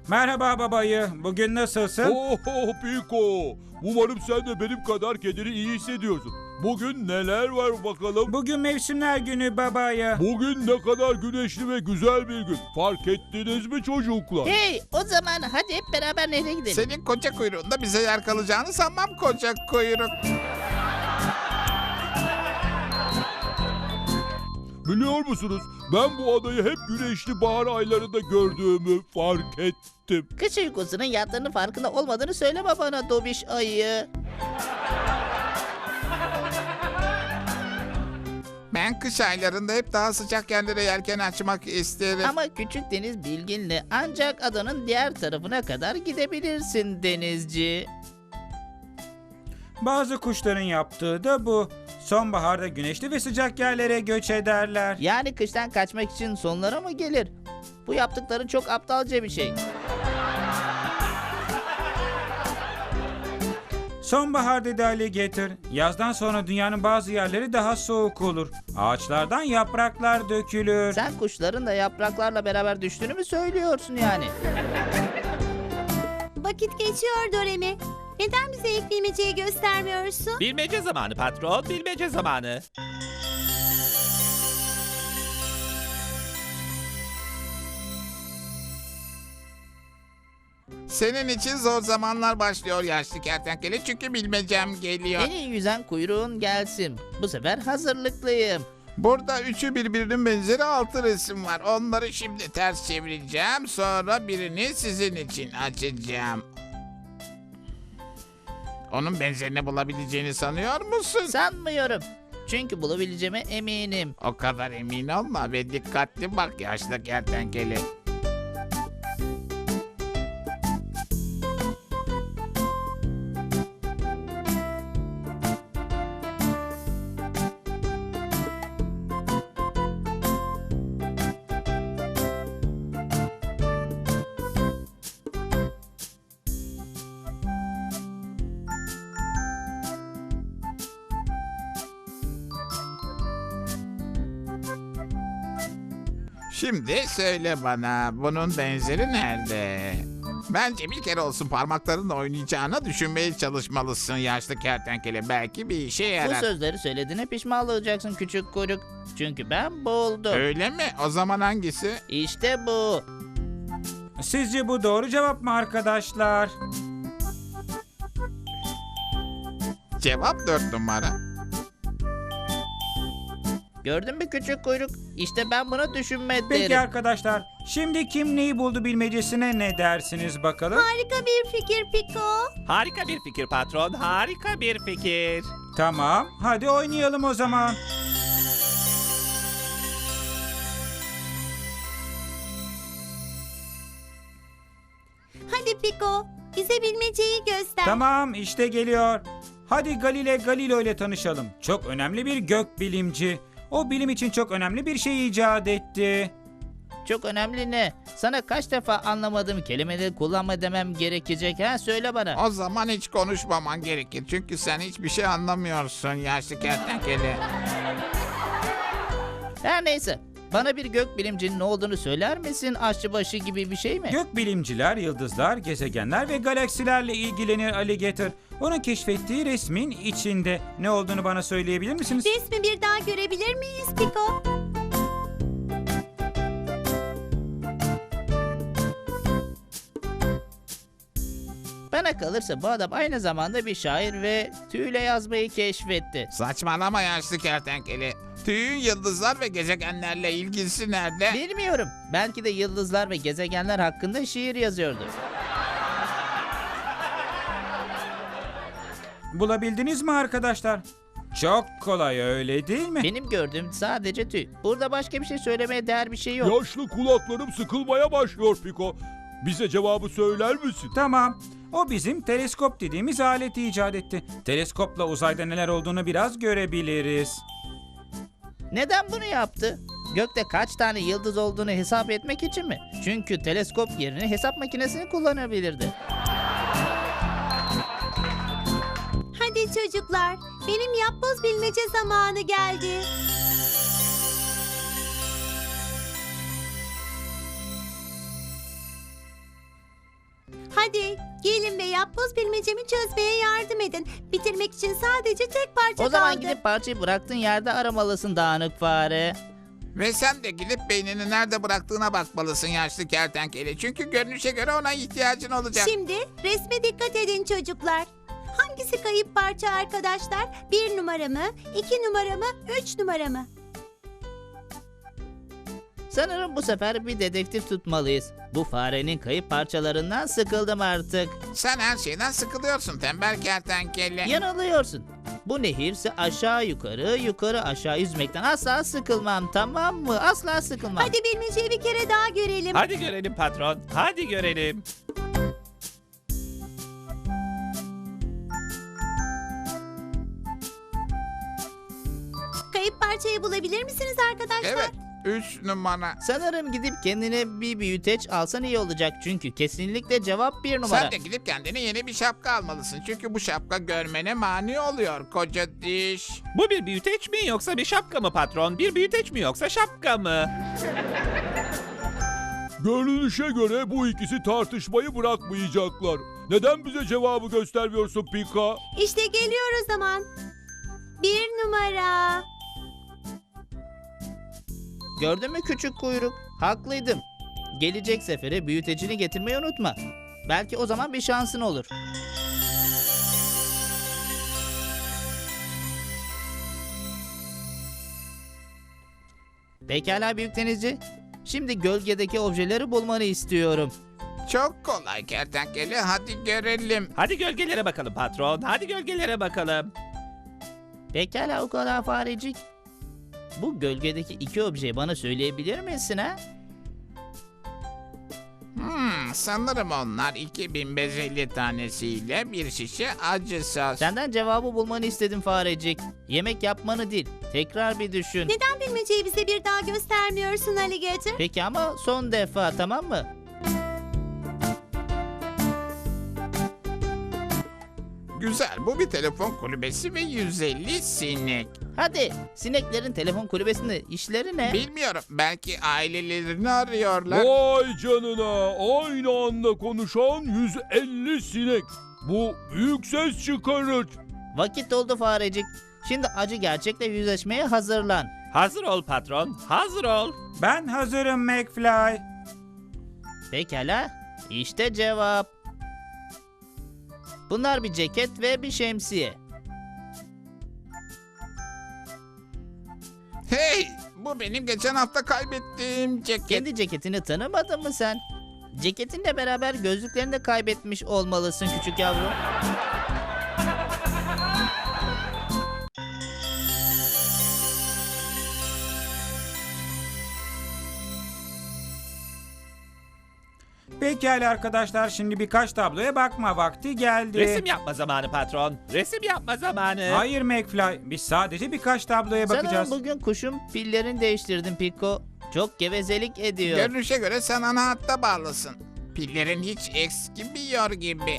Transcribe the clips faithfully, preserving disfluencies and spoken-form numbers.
Merhaba babayı. Bugün nasılsın? Oh Piko. Umarım sen de benim kadar kendini iyi hissediyorsun. Bugün neler var bakalım? Bugün mevsimler günü babayı. Bugün ne kadar güneşli ve güzel bir gün. Fark ettiniz mi çocuklar? Hey, o zaman hadi hep beraber nehre gidelim. Senin koca kuyruğunda bize yer kalacağını sanmam koca kuyruk. Biliyor musunuz? Ben bu adayı hep güneşli bahar aylarında gördüğümü fark ettim. Kış uykusunun yattığının farkında olmadığını söyleme bana Dobiş ayı. Ben kış aylarında hep daha sıcak yerlere yelken açmak isterim. Ama küçük deniz bilginle ancak adanın diğer tarafına kadar gidebilirsin denizci. Bazı kuşların yaptığı da bu. Sonbaharda güneşli ve sıcak yerlere göç ederler. Yani kıştan kaçmak için sonlara mı gelir? Bu yaptıkları çok aptalca bir şey. Sonbahar dedi Alligator. Yazdan sonra dünyanın bazı yerleri daha soğuk olur. Ağaçlardan yapraklar dökülür. Sen kuşların da yapraklarla beraber düştüğünü mü söylüyorsun yani? Vakit geçiyor Doremi. Neden bize ilk bilmeceyi göstermiyorsun? Bilmece zamanı patron, bilmece zamanı. Senin için zor zamanlar başlıyor yaşlı kertenkele çünkü bilmecem geliyor. En iyi yüzen kuyruğun gelsin. Bu sefer hazırlıklıyım. Burada üçü birbirinin benzeri altı resim var. Onları şimdi ters çevireceğim. Sonra birini sizin için açacağım. Onun benzerini bulabileceğini sanıyor musun? Sanmıyorum. Çünkü bulabileceğime eminim. O kadar emin olma ve dikkatli bak yaşlı kertenkele. Şimdi söyle bana bunun benzeri nerede? Bence bir kere olsun parmaklarınla oynayacağına düşünmeye çalışmalısın yaşlı kertenkele. Belki bir işe Bu yarar. sözleri söylediğine pişman olacaksın küçük kuyruk. Çünkü ben buldum. Öyle mi? O zaman hangisi? İşte bu. Sizce bu doğru cevap mı arkadaşlar? Cevap dört numara. Gördün mü küçük kuyruk? İşte ben bunu düşünme Peki derim. arkadaşlar, şimdi kim neyi buldu bilmecesine ne dersiniz bakalım? Harika bir fikir Piko. Harika bir fikir patron, harika bir fikir. Tamam, hadi oynayalım o zaman. Hadi Piko, bize bilmeceyi göster. Tamam, işte geliyor. Hadi Galile Galileo ile tanışalım. Çok önemli bir gök bilimci. O bilim için çok önemli bir şey icat etti. Çok önemli ne? Sana kaç defa anlamadığım kelimeleri kullanma demem gerekecek ha? Söyle bana. O zaman hiç konuşmaman gerekir. Çünkü sen hiçbir şey anlamıyorsun yaşlı kertenkele. Her neyse. Bana bir gök bilimcinin ne olduğunu söyler misin? Aşçıbaşı gibi bir şey mi? Gök bilimciler, yıldızlar, gezegenler ve galaksilerle ilgilenir Alligator. Onun keşfettiği resmin içinde ne olduğunu bana söyleyebilir misiniz? Resmi bir daha görebilir miyiz Piko? Bana kalırsa bu adam aynı zamanda bir şair ve tüyle yazmayı keşfetti. Saçmalama yaşlı kertenkele. Tüyün yıldızlar ve gezegenlerle ilgisi nerede? Bilmiyorum. Belki de yıldızlar ve gezegenler hakkında şiir yazıyordu. Bulabildiniz mi arkadaşlar? Çok kolay öyle değil mi? Benim gördüğüm sadece tüy. Burada başka bir şey söylemeye değer bir şey yok. Yaşlı kulaklarım sıkılmaya başlıyor Piko. Bize cevabı söyler misin? Tamam. O bizim teleskop dediğimiz aleti icat etti. Teleskopla uzayda neler olduğunu biraz görebiliriz. Neden bunu yaptı? Gökte kaç tane yıldız olduğunu hesap etmek için mi? Çünkü teleskop yerine hesap makinesini kullanabilirdi. Hadi çocuklar, benim yapboz bilmece zamanı geldi. Hadi gelin ve yapboz bilmecemi çözmeye yardım edin. Bitirmek için sadece tek parça O zaman kaldı. gidip parçayı bıraktığın yerde aramalısın dağınık fare. Ve sen de gidip beynini nerede bıraktığına bakmalısın yaşlı kertenkele. Çünkü görünüşe göre ona ihtiyacın olacak. Şimdi resme dikkat edin çocuklar. Hangisi kayıp parça arkadaşlar? Bir numara mı, iki numara mı, üç numara mı? Sanırım bu sefer bir dedektif tutmalıyız. Bu farenin kayıp parçalarından sıkıldım artık. Sen her şeyden sıkılıyorsun tembel kertenkele. Yanılıyorsun. Bu nehirse aşağı yukarı, yukarı aşağı yüzmekten asla sıkılmam, tamam mı? Asla sıkılmam. Hadi bilmeceyi bir kere daha görelim. Hadi görelim patron. Hadi görelim. Kayıp parçayı bulabilir misiniz arkadaşlar? Evet. Üç numara. Sanırım gidip kendine bir büyüteç alsan iyi olacak. Çünkü kesinlikle cevap bir numara. Sen de gidip kendine yeni bir şapka almalısın. Çünkü bu şapka görmene mani oluyor koca diş. Bu bir büyüteç mi yoksa bir şapka mı patron? Bir büyüteç mi yoksa şapka mı? Görünüşe göre bu ikisi tartışmayı bırakmayacaklar. Neden bize cevabı göstermiyorsun Pika? İşte geliyor o zaman. Bir numara. Gördün mü küçük kuyruk? Haklıydım. Gelecek sefere büyütecini getirmeyi unutma. Belki o zaman bir şansın olur. Pekala büyük denizci. Şimdi gölgedeki objeleri bulmanı istiyorum. Çok kolay kertenkele. Hadi görelim. Hadi gölgelere bakalım patron. Hadi gölgelere bakalım. Pekala o kadar farecik. Bu gölgedeki iki objeyi bana söyleyebilir misin ha? Hmm, sanırım onlar iki bin beş yüz elli tanesiyle bir şişe acı sos. Senden cevabı bulmanı istedim farecik. Yemek yapmanı değil. Tekrar bir düşün. Neden bilmeceyi bize bir daha göstermiyorsun Alligator? Peki ama son defa, tamam mı? Güzel, bu bir telefon kulübesi ve yüz elli sinek. Hadi sineklerin telefon kulübesinde işleri ne? Bilmiyorum, belki ailelerini arıyorlar. Vay canına, aynı anda konuşan yüz elli sinek. Bu büyük ses çıkarır. Vakit oldu farecik. Şimdi acı gerçekle yüzleşmeye hazırlan. Hazır ol patron. Hazır ol. Ben hazırım McFly. Pekala. İşte cevap. Bunlar bir ceket ve bir şemsiye. Hey, bu benim geçen hafta kaybettiğim ceket. Kendi ceketini tanımadın mı sen? Ceketinle beraber gözlüklerini de kaybetmiş olmalısın küçük yavrum. Pekala arkadaşlar, şimdi birkaç tabloya bakma vakti geldi. Resim yapma zamanı patron. Resim yapma zamanı. Hayır McFly, biz sadece birkaç tabloya bakacağız. Sanırım bugün kuşun pillerini değiştirdin Piko. Çok gevezelik ediyor. Görünüşe göre sen ana hatta bağlısın. Pillerin hiç eskimiyor gibi.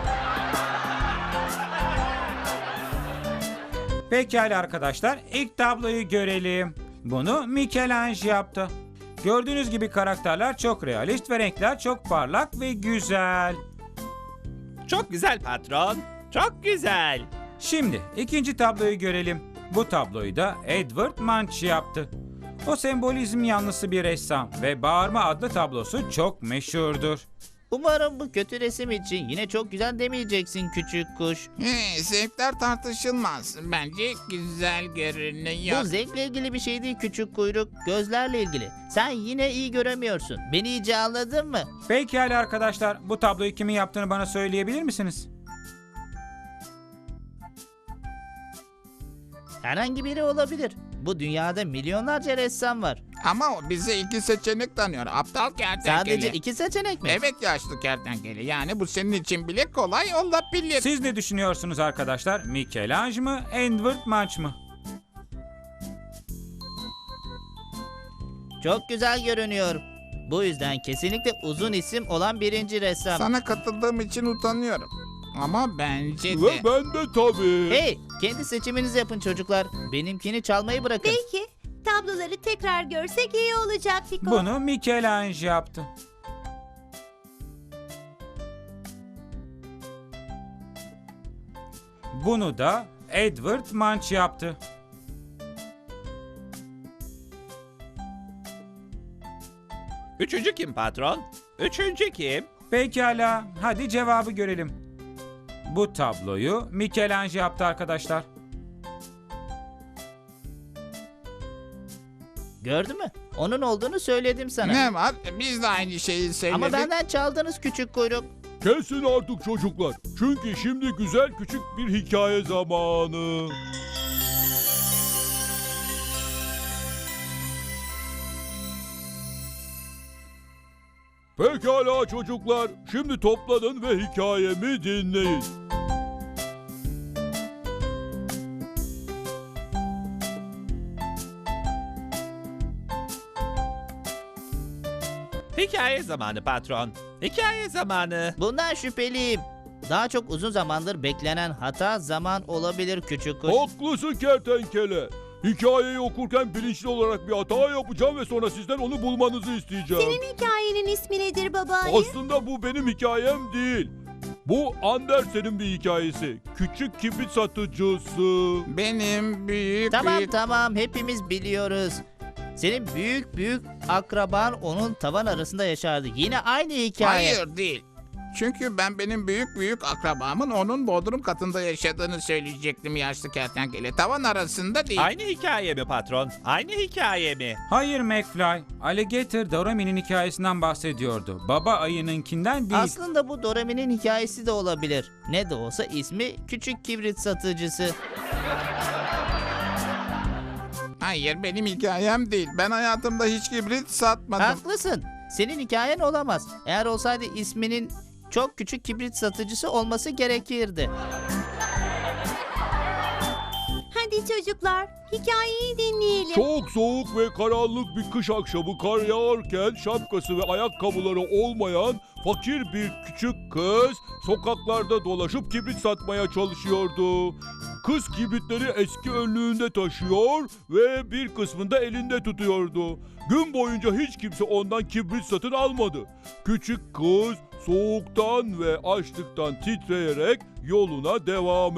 Pekala arkadaşlar, ilk tabloyu görelim. Bunu Michelangelo yaptı. Gördüğünüz gibi karakterler çok realist ve renkler çok parlak ve güzel. Çok güzel patron. Çok güzel. Şimdi ikinci tabloyu görelim. Bu tabloyu da Edward Munch yaptı. O sembolizm yanlısı bir ressam ve Bağırma adlı tablosu çok meşhurdur. Umarım bu kötü resim için yine çok güzel demeyeceksin küçük kuş. He, zevkler tartışılmaz. Bence güzel görünüyor. Bu zevkle ilgili bir şey değil küçük kuyruk. Gözlerle ilgili. Sen yine iyi göremiyorsun. Beni iyice anladın mı? Pekala arkadaşlar, bu tabloyu kimin yaptığını bana söyleyebilir misiniz? Herhangi biri olabilir. Bu dünyada milyonlarca ressam var. Ama o bize iki seçenek tanıyor. Aptal kertenkele. Sadece iki seçenek mi? Evet yaşlı kertenkele. Yani bu senin için bile kolay olabilir. Siz ne düşünüyorsunuz arkadaşlar? Michelangelo mı, Edward Munch mı? Çok güzel görünüyor. Bu yüzden kesinlikle uzun isim olan birinci ressam. Sana katıldığım için utanıyorum. Ama bence de. Ve ben de tabii. Hey, kendi seçiminizi yapın çocuklar. Benimkini çalmayı bırakın. Belki tabloları tekrar görsek iyi olacak Piko. Bunu Michelangelo yaptı. Bunu da Edward Munch yaptı. Üçüncü kim patron? Üçüncü kim? Pekala, hadi cevabı görelim. Bu tabloyu Michelangelo yaptı arkadaşlar. Gördün mü? Onun olduğunu söyledim sana. Ne var? Biz de aynı şeyi söyledik. Ama benden çaldınız küçük kuyruk. Kesin artık çocuklar. Çünkü şimdi güzel küçük bir hikaye zamanı. Pekala çocuklar. Şimdi toplanın ve hikayemi dinleyin. Hikaye zamanı patron. Hikaye zamanı. Bundan şüpheliyim. Daha çok uzun zamandır beklenen hata zaman olabilir küçük kuş. Haklısın kertenkele. Hikayeyi okurken bilinçli olarak bir hata yapacağım ve sonra sizden onu bulmanızı isteyeceğim. Senin hikayenin ismi nedir baba ayı? Aslında bu benim hikayem değil. Bu Andersen'in bir hikayesi. Küçük kibrit satıcısı. Benim büyük Tamam büyük... tamam hepimiz biliyoruz. Senin büyük büyük akraban onun tavan arasında yaşardı. Yine aynı hikaye. Hayır değil. Çünkü ben benim büyük büyük akrabamın onun bodrum katında yaşadığını söyleyecektim yaşlı kertenkele. Tavan arasında değil. Aynı hikaye mi patron? Aynı hikaye mi? Hayır McFly, Alligator Dorami'nin hikayesinden bahsediyordu. Baba ayınınkinden değil. Aslında bu Dorami'nin hikayesi de olabilir. Ne de olsa ismi Küçük Kibrit Satıcısı. Hayır benim hikayem değil. Ben hayatımda hiç kibrit satmadım. Haklısın. Senin hikayen olamaz. Eğer olsaydı isminin çok küçük kibrit satıcısı olması gerekirdi. Hadi çocuklar, hikayeyi dinleyelim. Çok soğuk ve karanlık bir kış akşamı kar yağarken şapkası ve ayakkabıları olmayan fakir bir küçük kız sokaklarda dolaşıp kibrit satmaya çalışıyordu. Kız kibritleri eski önlüğünde taşıyor ve bir kısmını da elinde tutuyordu. Gün boyunca hiç kimse ondan kibrit satın almadı. Küçük kız soğuktan ve açlıktan titreyerek yoluna devam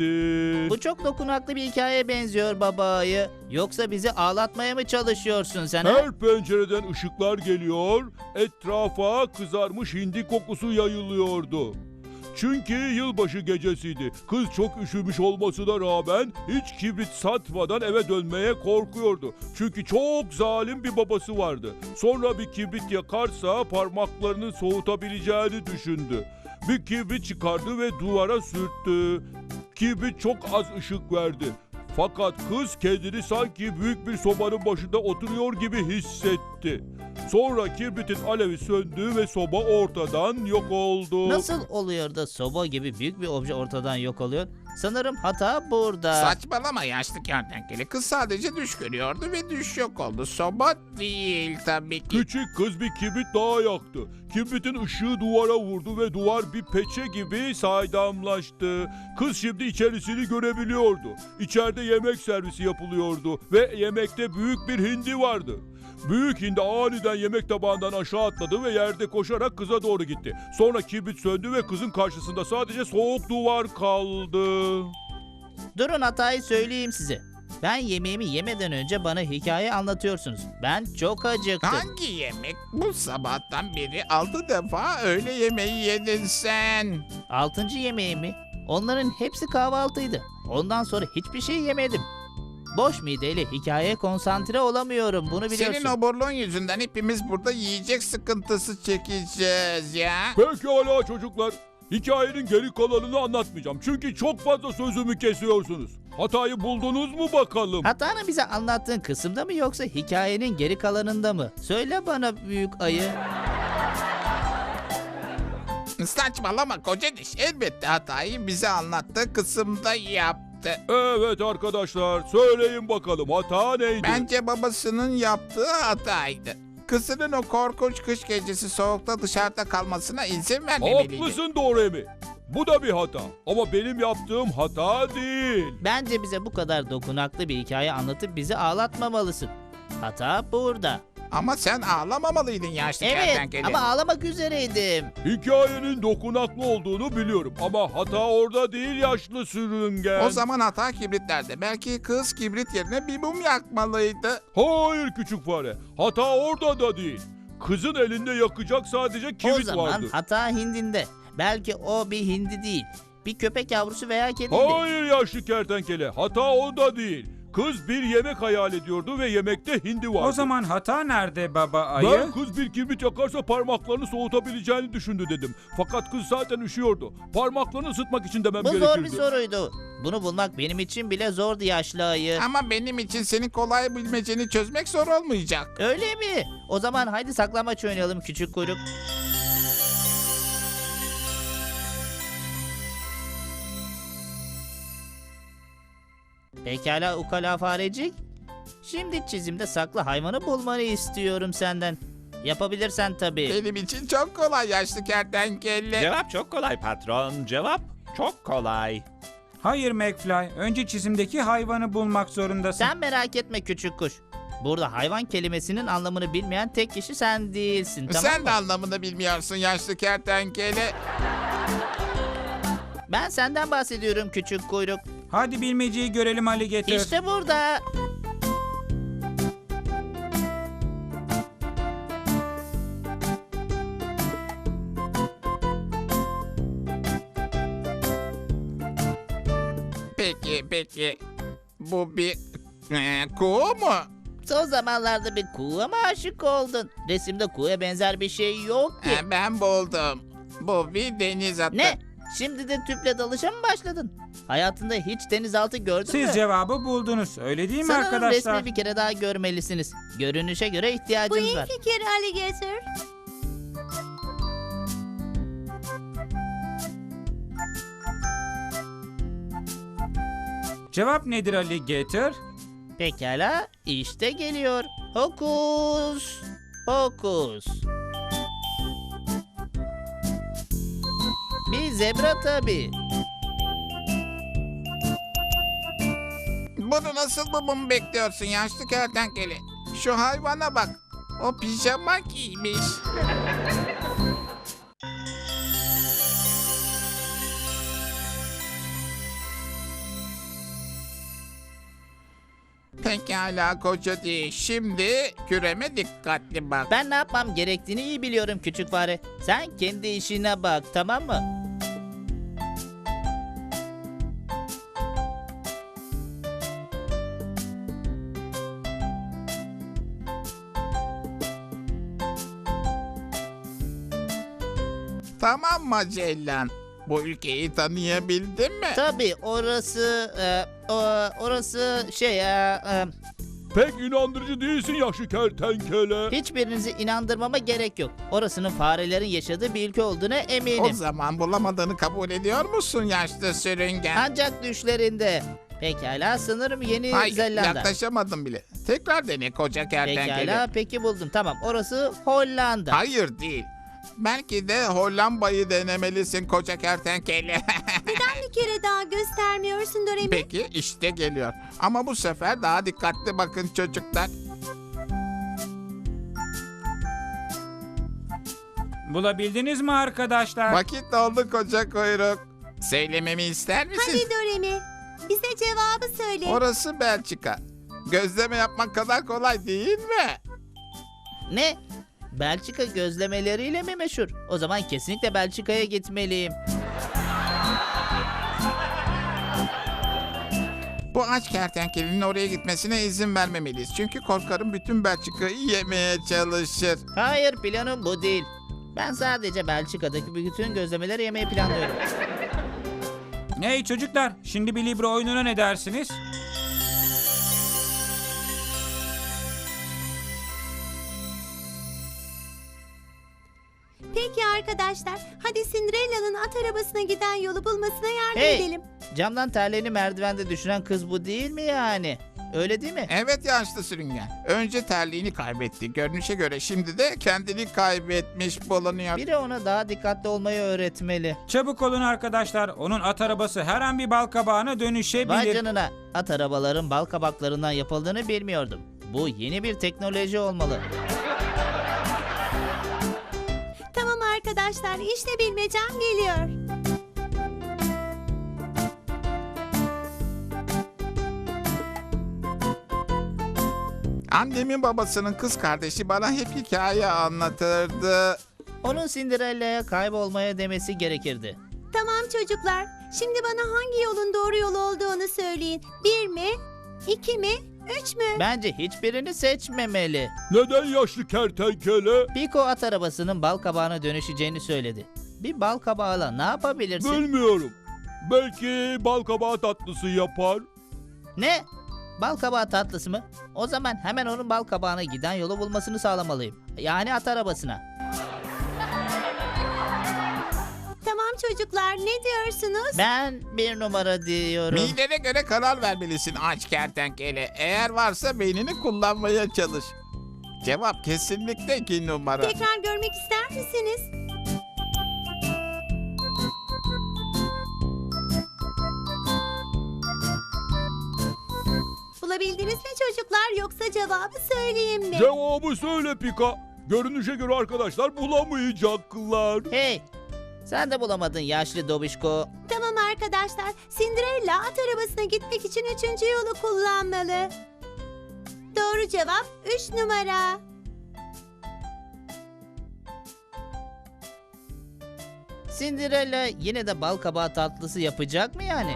etti. Bu çok dokunaklı bir hikayeye benziyor baba ayı. Yoksa bizi ağlatmaya mı çalışıyorsun sen? ha? Her pencereden ışıklar geliyor, etrafa kızarmış hindi kokusu yayılıyordu. Çünkü yılbaşı gecesiydi. Kız çok üşümüş olmasına rağmen hiç kibrit satmadan eve dönmeye korkuyordu. Çünkü çok zalim bir babası vardı. Sonra bir kibrit yakarsa parmaklarını soğutabileceğini düşündü. Bir kibrit çıkardı ve duvara sürttü. Kibrit çok az ışık verdi. Fakat kız kendini sanki büyük bir sobanın başında oturuyor gibi hissetti. Sonra kibritin alevi söndü ve soba ortadan yok oldu. Nasıl oluyor da soba gibi büyük bir obje ortadan yok oluyor? Sanırım hata burada. Saçmalama yaşlı kertenkele. Kız sadece düş görüyordu ve düş yok oldu. Soba değil tabii ki. Küçük kız bir kibrit daha yaktı. Kibritin ışığı duvara vurdu ve duvar bir peçe gibi saydamlaştı. Kız şimdi içerisini görebiliyordu. İçeride yemek servisi yapılıyordu ve yemekte büyük bir hindi vardı. Büyük hindi aniden yemek tabağından aşağı atladı ve yerde koşarak kıza doğru gitti. Sonra kibrit söndü ve kızın karşısında sadece soğuk duvar kaldı. Durun hatayı söyleyeyim size. Ben yemeğimi yemeden önce bana hikaye anlatıyorsunuz. Ben çok acıktım. Hangi yemek? Bu sabahtan beri altı defa öğle yemeği yedin sen. Altıncı yemeğimi. Onların hepsi kahvaltıydı. Ondan sonra hiçbir şey yemedim. Boş mideyle hikayeye konsantre olamıyorum. Bunu biliyorsun. Senin oburluğun yüzünden hepimiz burada yiyecek sıkıntısı çekeceğiz ya. Pekala çocuklar. Hikayenin geri kalanını anlatmayacağım. Çünkü çok fazla sözümü kesiyorsunuz. Hatayı buldunuz mu bakalım? Hatanı bize anlattığın kısımda mı yoksa hikayenin geri kalanında mı? Söyle bana büyük ayı. Saçmalama koca diş. Elbette hatayı bize anlattığı kısımda yaptı. Evet arkadaşlar, söyleyin bakalım hata neydi? Bence babasının yaptığı hataydı. Kızının o korkunç kış gecesi soğukta dışarıda kalmasına izin vermemeliydi. Haklısın Doremi. Bu da bir hata. Ama benim yaptığım hata değil. Bence bize bu kadar dokunaklı bir hikaye anlatıp bizi ağlatmamalısın. Hata burada. Ama sen ağlamamalıydın yaşlı Evet kertenkele. ama ağlamak üzereydim. Hikayenin dokunaklı olduğunu biliyorum ama hata orada değil yaşlı sürüngen. O zaman hata kibritlerde. Belki kız kibrit yerine bir mum yakmalıydı. Hayır küçük fare. Hata orada da değil. Kızın elinde yakacak sadece kibrit o zaman vardı. hata hindinde. Belki o bir hindi değil. Bir köpek yavrusu veya kediydi. Hayır yaşlı kertenkele. Hata orada değil. Kız bir yemek hayal ediyordu ve yemekte hindi vardı. O zaman hata nerede baba ayı? Ben kız bir kibrit yakarsa parmaklarını soğutabileceğini düşündü dedim. Fakat kız zaten üşüyordu. Parmaklarını ısıtmak için demem Bu gerekirdi. zor bir soruydu. Bunu bulmak benim için bile zordu yaşlı ayı. Ama benim için senin kolay bilmeceni çözmek zor olmayacak. Öyle mi? O zaman haydi saklambaç oynayalım küçük kuyruk. Pekala ukala farecik. Şimdi çizimde saklı hayvanı bulmanı istiyorum senden. Yapabilirsen tabii. Benim için çok kolay yaşlı kertenkele. Cevap çok kolay patron. Cevap çok kolay. Hayır McFly. Önce çizimdeki hayvanı bulmak zorundasın. Sen merak etme küçük kuş. Burada hayvan kelimesinin anlamını bilmeyen tek kişi sen değilsin, tamam Sen mı? de anlamını bilmiyorsun yaşlı kertenkele. Ben senden bahsediyorum küçük kuyruk. Hadi bilmeceyi görelim Alligator. İşte burada. Peki peki. Bu bir e, kuğu mu? Son zamanlarda bir kuğuya mı aşık oldun? Resimde kuğuya benzer bir şey yok ki. E, ben buldum. Bu bir deniz atı. Ne? Şimdi de tüple dalışa mı başladın? Hayatında hiç denizaltı gördün mü? Siz cevabı buldunuz. Öyle değil mi Sanırım arkadaşlar? resmi bir kere daha görmelisiniz. Görünüşe göre Bu ihtiyacınız iyi var. fikir Alligator. Cevap nedir Alligator? Pekala, işte geliyor. Hokus pokus. Bir zebra tabii. Bunu nasıl bulmamı bekliyorsun yaşlı kertenkele? Şu hayvana bak. O pijama giymiş. Pekala koca değil. Şimdi küreme dikkatli bak. Ben ne yapmam gerektiğini iyi biliyorum küçük fare. Sen kendi işine bak, tamam mı? Tamam Magellan. Bu ülkeyi tanıyabildin mi? Tabii orası, e, o- orası şey, e, e, Pek inandırıcı değilsin yaşlı kertenkele. hiçbirinizi inandırmama gerek yok. Orasının farelerin yaşadığı bir ülke olduğuna O eminim. zaman bulamadığını kabul ediyor musun yaşlı sürüngen? Ancak düşlerinde. Pekala, sanırım Yeni Hayır Zelanda. yaklaşamadım bile. Tekrar dene koca kertenkele. Pekala, peki buldum. Tamam, orası Hollanda. Hayır değil. Belki de Hollanda'yı denemelisin koca kertenkele. Bir kere daha göstermiyorsun Doremi. Peki işte geliyor. Ama bu sefer daha dikkatli bakın çocuklar. Bulabildiniz mi arkadaşlar? Vakit doldu koca kuyruk. Söylememi ister misin? Hadi Doremi. Bize cevabı söyle. Orası Belçika. Gözleme yapmak kadar kolay değil mi? Ne? Belçika gözlemeleriyle mi meşhur? O zaman kesinlikle Belçika'ya gitmeliyim. Bu aç kertenkelenin oraya gitmesine izin vermemeliyiz. Çünkü korkarım bütün Belçika'yı yemeye çalışır. Hayır, planım bu değil. Ben sadece Belçika'daki bütün gözlemeleri yemeyi planlıyorum. Hey çocuklar, şimdi bir Libra oyununa ne dersiniz? Peki arkadaşlar, hadi Cinderella'nın at arabasına giden yolu bulmasına yardım Hey! edelim. Camdan terliğini merdivende düşüren kız bu değil mi yani? Öyle değil mi? Evet yaşlı sürüngen. Önce terliğini kaybetti. Görünüşe göre şimdi de kendini kaybetmiş bulunuyor. Biri ona daha dikkatli olmayı öğretmeli. Çabuk olun arkadaşlar. Onun at arabası her an bir balkabağına Vay dönüşebilir. canına, at arabaların bal kabaklarından yapıldığını bilmiyordum. Bu yeni bir teknoloji olmalı. arkadaşlar. İşte bilmecem geliyor. Annemin babasının kız kardeşi bana hep hikaye anlatırdı. Onun Cinderella'ya kaybolmaya demesi gerekirdi. Tamam çocuklar. Şimdi bana hangi yolun doğru yol olduğunu söyleyin. Bir mi? İki mi? Üç mü? Bence hiçbirini seçmemeli. Neden yaşlı kertenkele? Piko at arabasının bal kabağına dönüşeceğini söyledi. Bir bal kabağıyla ne yapabilirsin? Bilmiyorum. Belki bal kabağı tatlısı yapar. Ne? Bal kabağı tatlısı mı? O zaman hemen onun bal kabağına giden yolu bulmasını sağlamalıyım. Yani at arabasına. Tamam çocuklar, ne diyorsunuz? Ben bir numara diyorum. Midene göre karar vermelisin aç kertenkele. Eğer varsa beynini kullanmaya çalış. Cevap kesinlikle iki numara. Tekrar görmek ister misiniz? Bulabildiniz mi çocuklar, yoksa cevabı söyleyeyim mi? Cevabı söyle Pika. Görünüşe göre arkadaşlar bulamayacaklar. Hey! Sen de bulamadın yaşlı dobişko. Tamam arkadaşlar, Cinderella at arabasına gitmek için üçüncü yolu kullanmalı. Doğru cevap üç numara. Cinderella yine de bal kabağı tatlısı yapacak mı yani?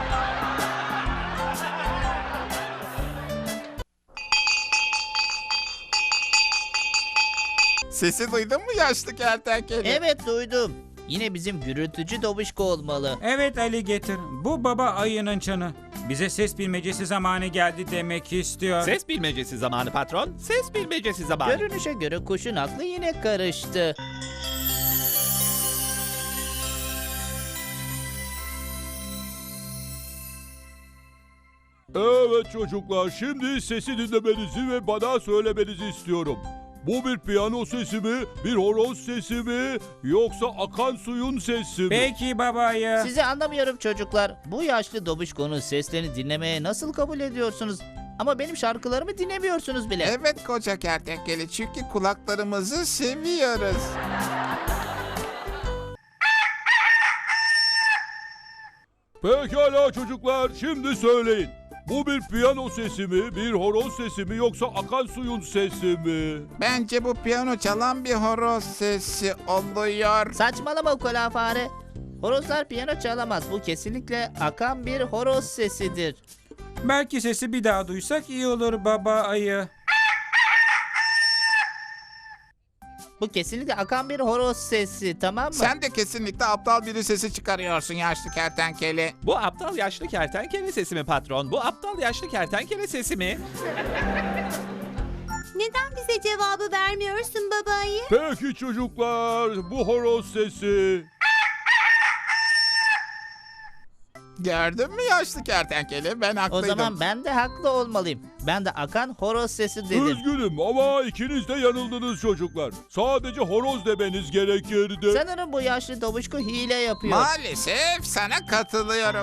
Sesi duydun mu yaşlı kertenkele? Evet duydum. Yine bizim gürültücü dobişko olmalı. Evet Ali getir. Bu baba ayının çanı. Bize ses bilmecesi zamanı geldi demek istiyor. Ses bilmecesi zamanı patron. Ses bilmecesi zamanı. Görünüşe göre kuşun aklı yine karıştı. Evet çocuklar, şimdi sesi dinlemenizi ve bana söylemenizi istiyorum. Bu bir piyano sesi mi, bir horoz sesi mi, yoksa akan suyun sesi mi? Peki baba ayı. Sizi anlamıyorum çocuklar. Bu yaşlı dobişkonun seslerini dinlemeye nasıl kabul ediyorsunuz? Ama benim şarkılarımı dinlemiyorsunuz bile. Evet koca kertenkele, çünkü kulaklarımızı seviyoruz. Pekala çocuklar, şimdi söyleyin. Bu bir piyano sesi mi, bir horoz sesi mi, yoksa akan suyun sesi mi? Bence bu piyano çalan bir horoz sesi oluyor. Saçmalama ukala fare. Horozlar piyano çalamaz. Bu kesinlikle akan bir horoz sesidir. Belki sesi bir daha duysak iyi olur baba ayı. Bu kesinlikle akan bir horoz sesi, tamam mı? Sen de kesinlikle aptal biri sesi çıkarıyorsun yaşlı kertenkele. Bu aptal yaşlı kertenkele sesi mi patron? Bu aptal yaşlı kertenkele sesi mi? Neden bize cevabı vermiyorsun babayı? Peki çocuklar, bu horoz sesi. Gördün mü yaşlı kertenkele? Ben O haklıydım. zaman ben de haklı olmalıyım. Ben de akan horoz sesi dedim. Üzgünüm ama ikiniz de yanıldınız çocuklar. Sadece horoz demeniz gerekirdi. Sanırım bu yaşlı dobişko hile yapıyor. Maalesef sana katılıyorum.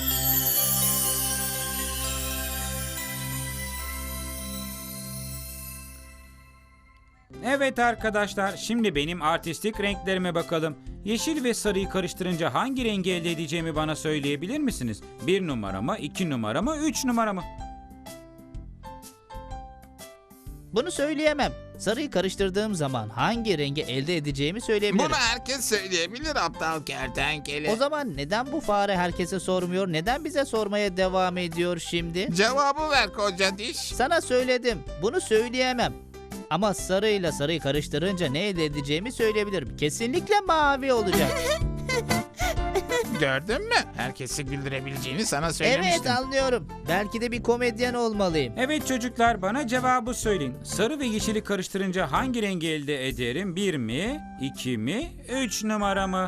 Evet arkadaşlar, şimdi benim artistik renklerime bakalım. Yeşil ve sarıyı karıştırınca hangi rengi elde edeceğimi bana söyleyebilir misiniz? Bir numara mı, iki numara mı, üç numara mı? Bunu söyleyemem. Sarıyı karıştırdığım zaman hangi rengi elde edeceğimi söyleyebilirim. Bunu herkes söyleyebilir aptal kertenkele. O zaman neden bu fare herkese sormuyor? Neden bize sormaya devam ediyor şimdi? Cevabı ver koca diş. Sana söyledim. Bunu söyleyemem. Ama sarıyla sarıyı karıştırınca ne elde edeceğimi söyleyebilirim. Kesinlikle mavi olacak. Gördün mü? Herkesi güldürebileceğini sana söylemiştim. Evet anlıyorum. Belki de bir komedyen olmalıyım. Evet çocuklar, bana cevabı söyleyin. Sarı ve yeşili karıştırınca hangi rengi elde ederim? Bir mi, iki mi, üç numara mı?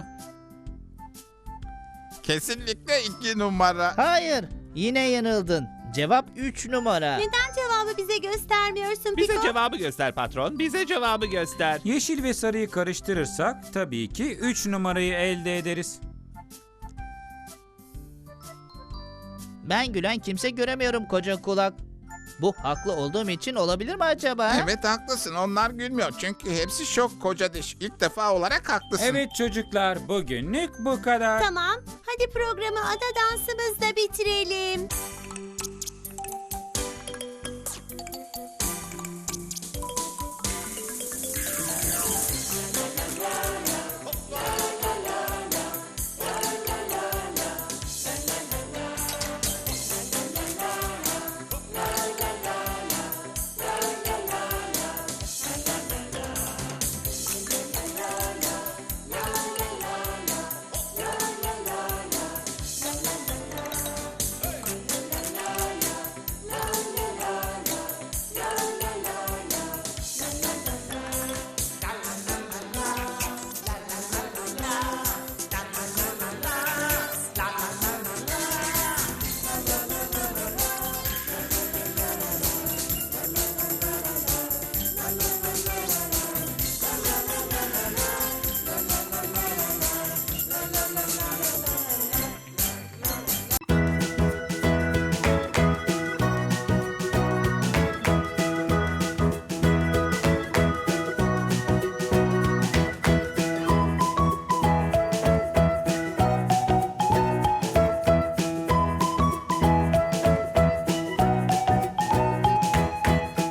Kesinlikle iki numara. Hayır. Yine yanıldın. Cevap üç numara. Neden cevabı bize göstermiyorsun Bize Piko? cevabı göster patron. Bize cevabı göster. Yeşil ve sarıyı karıştırırsak tabii ki üç numarayı elde ederiz. Ben gülen kimse göremiyorum koca kulak. Bu haklı olduğum için olabilir mi acaba? Evet haklısın. Onlar gülmüyor. Çünkü hepsi şok koca diş. İlk defa olarak haklısın. Evet çocuklar, bugünlük bu kadar. Tamam, hadi programı ada dansımızla bitirelim.